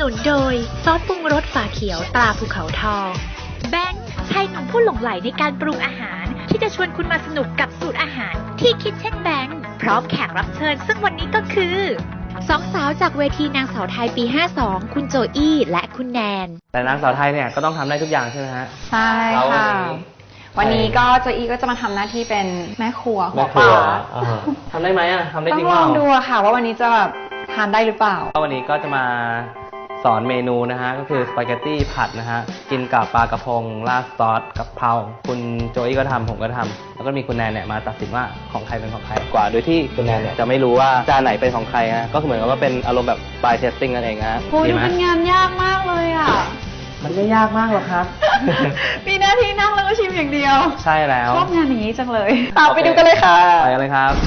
นุนโดยซอสปรุงรสฝาเขียวตราภูเขาทองแบงค์ชายหนุ่มผู้หลงใหลในการปรุงอาหารที่จะชวนคุณมาสนุกกับสูตรอาหารที่คิดเช่นแบงค์พร้อมแขกรับเชิญซึ่งวันนี้ก็คือสองสาวจากเวทีนางสาวไทยปี 52 คุณโจอี้และคุณแนนแต่นางสาวไทยเนี่ยก็ต้องทำได้ทุกอย่างใช่ไหมฮะใช่ค่ะวันนี้ก็โจอี้ก็จะมาทำหน้าที่เป็นแม่ครัวหัวปลาทำได้ไหมอ่ะทำได้จริงต้องลองดูค่ะว่าวันนี้จะแบบทานได้หรือเปล่าวันนี้ก็จะมาสอนเมนูนะฮะก็คือสปาเกตตี้ผัดนะฮะกินกับปลากระพงราดซอสกับเพราคุณโจอี้ก็ทำผมก็ทำแล้วก็มีคุณแนนเนี่ยมาตัดสินว่าของใครเป็นของใครกว่าโดยที่คุณแนนเนี่ยจะไม่รู้ว่าจานไหนเป็นของใครฮะก็เหมือนกับว่าเป็นอารมณ์แบบปลายเทสติ้งนั่นเองฮะโหดูเป็นงานยากมากเลยอ่ะมันไม่ยากมากหรอกครับมีหน้าที่นั่งแล้วก็ชิมอย่างเดียวใช่แล้วชอบงานอย่างนี้จังเลยตามไปดูกันเลยค่ะไปกันเลยครับ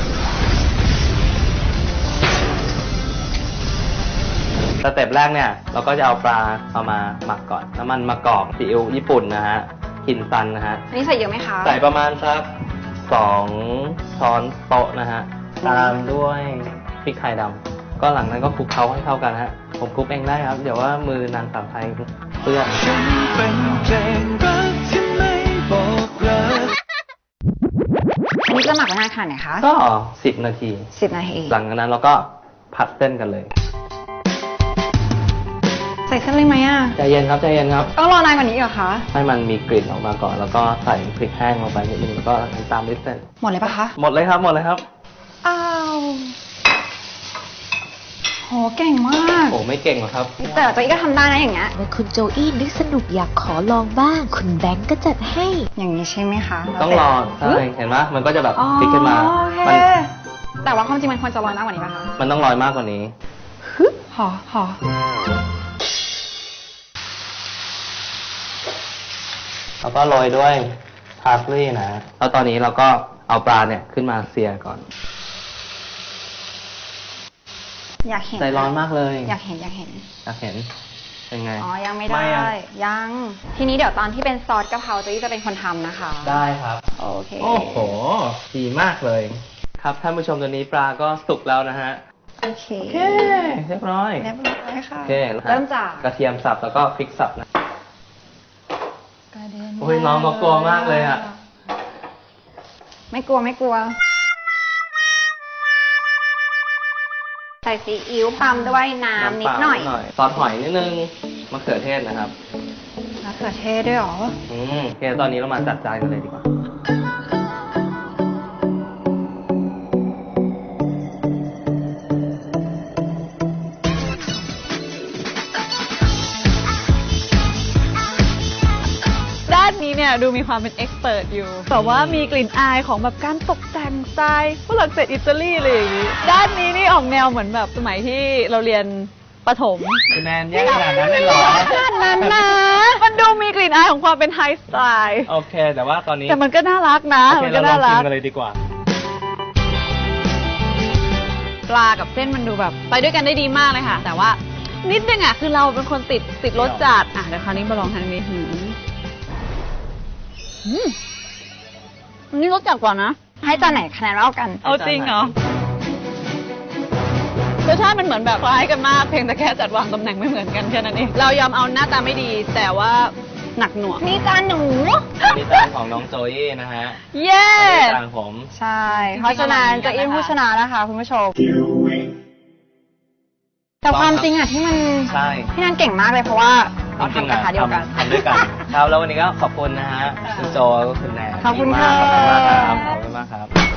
สเต็ปแรกเนี่ยเราก็จะเอาปลาเอามาหมักก่อนน้ำมันมะกอกซีอิ๊วญี่ปุ่นนะฮะคินซันนะฮะอันนี้ใส่เยอะไหมคะใส่ประมาณสัก2 ช้อนโต๊ะนะฮะตามด้วยพริกไทยดำก็หลังนั้นก็คลุกเคล้าให้เข้ากันฮะผมคลุกเองได้ครับเดี๋ยวว่ามือนางสาวไทยเปื้อนอันนี้จะหมักไว้นานขนาดไหนคะก็10 นาที 10 นาทีหลังจากนั้นเราก็ผัดเส้นกันเลยใส่เส้นเลยไหมอ่ะใจเย็นครับใจเย็นครับต้องรอนานกว่านี้เหรอคะให้มันมีกลิ่นออกมาก่อนแล้วก็ใส่พริกแห้งลงไปนิดนึงแล้วก็ตามด้วยเส้นหมดเลยปะคะหมดเลยครับหมดเลยครับอ้าวโหเก่งมากโอ้ไม่เก่งหรอกครับแต่โจอี้ก็ทำได้นะอย่างเงี้ยเมื่อคุณโจอี้นึกสนุกอยากขอลองบ้างคุณแบงก์ก็จัดให้อย่างนี้ใช่ไหมคะต้องรอใช่เห็นไหมมันก็จะแบบพลิกขึ้นมาแต่ว่าความจริงมันควรจะลอยมากกว่านี้ป่ะคะมันต้องลอยมากกว่านี้หอแล้วก็โรยด้วยพาร์สลีย์นะแล้วตอนนี้เราก็เอาปลาเนี่ยขึ้นมาเสียก่อนอยากเห็นใจร้อนมากเลยอยากเห็นเป็นไงอ๋อยังไม่ได้ยังทีนี้เดี๋ยวตอนที่เป็นซอสกะเพราโจอี้จะเป็นคนทำนะคะได้ครับโอเคโอ้โหดีมากเลยครับท่านผู้ชมตัวนี้ปลาก็สุกแล้วนะฮะโอเคเรียบร้อยค่ะโอเคเริ่มจากกระเทียมสับแล้วก็พริกสับนะโอ้ยน้องก็กลัวมากเลยอ่ะไม่กลัวใส่ซีอิ๊วตามด้วยน้ำนิดหน่อยซอสหอยนิดนึงมะเขือเทศนะครับมะเขือเทศด้วยหรอโอเคตอนนี้เรามาจัดจานกันเลยดีกว่านี้เนี่ยดูมีความเป็นเอ็กซ์เพิร์ทอยู่แต่ว่ามีกลิ่นอายของแบบการตกแต่งสไตล์ฝรั่งเศสอิตาลีอะไรอย่างนี้ด้านนี้นี่ออกแนวเหมือนแบบสมัยที่เราเรียนประถมแนนแย่ขนาดนั้นเลยเหรอขนาดนั้นนะมันดูมีกลิ่นอายของความเป็นไฮสไตล์โอเคแต่ว่าตอนนี้แต่มันก็น่ารักนะมันก็น่ารักกินกันเลยดีกว่าปลากับเส้นมันดูแบบไปด้วยกันได้ดีมากเลยค่ะแต่ว่านิดนึงอ่ะคือเราเป็นคนติดรสจัดเดี๋ยวคราวนี้มาลองทางนี้นี่รสจัดกว่านะให้จานไหนคะแนนเท่ากันเอาจริงเหรอรสชาติมันเหมือนแบบคล้ายกันมากเพียงแต่แค่จัดวางตำแหน่งไม่เหมือนกันแค่นั้นเองเรายอมเอาหน้าตาไม่ดีแต่ว่าหนักหน่วงนี่จานหนูนี่จานของน้องโจอี้นะฮะเย้จานผมใช่เพราะฉะนั้นโจอี้ผู้ชนะนะคะคุณผู้ชมแต่ความจริงอ่ะที่มันพี่นันเก่งมากเลยเพราะว่าเราทำกระทะเดียวกันทำด้วยกันครับแล้ววันนี้ก็ขอบคุณนะฮะคุณโจและคุณแนนขอบคุณค่ะขอบคุณมากครับ